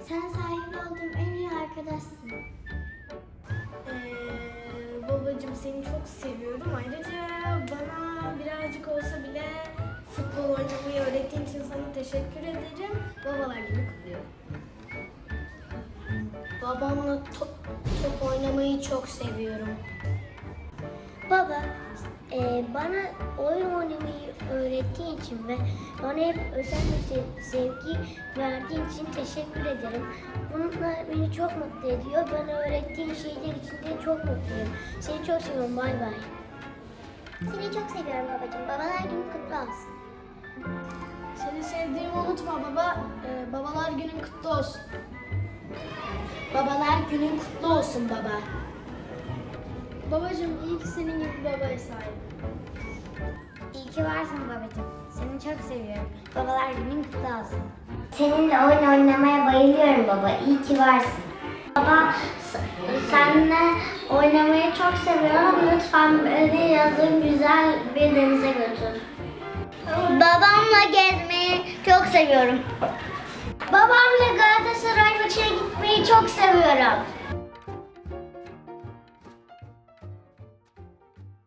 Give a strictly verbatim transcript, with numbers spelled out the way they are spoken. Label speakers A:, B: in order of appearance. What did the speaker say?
A: Sen sahip olduğum en iyi arkadaşsın.
B: Ee, babacığım seni çok seviyorum. Ayrıca bana birazcık olsa bile futbol oynamayı öğrettiğin için sana teşekkür ederim. Babalar günü kutluyorum. Babamla top, top oynamayı çok seviyorum.
A: Baba, e, bana oyun oynamayı öğrettiğin için ve bana hep özel bir sev- sevgi verdiğin için teşekkür ederim. Bunlar beni çok mutlu ediyor. Bana öğrettiğin şeyler için de çok mutluyum. Seni çok seviyorum. Bay bay. Seni çok seviyorum babacığım. Babalar günü kutlu olsun.
B: Seni sevdiğimi unutma baba. Ee, babalar günün kutlu olsun. Babalar günün kutlu olsun baba. Babacığım iyi ki senin gibi bir babaya sahibim.
A: İyi ki varsın babacığım. Seni çok seviyorum. Babalar günün kutlu olsun. Seninle oyun oynamaya bayılıyorum baba. İyi ki varsın. Baba, seninle oynamayı çok seviyorum. Lütfen beni yazın güzel bir denize götür. Babamla gezmeyi çok seviyorum. Babamla Galatasaray maçına gitmeyi çok seviyorum.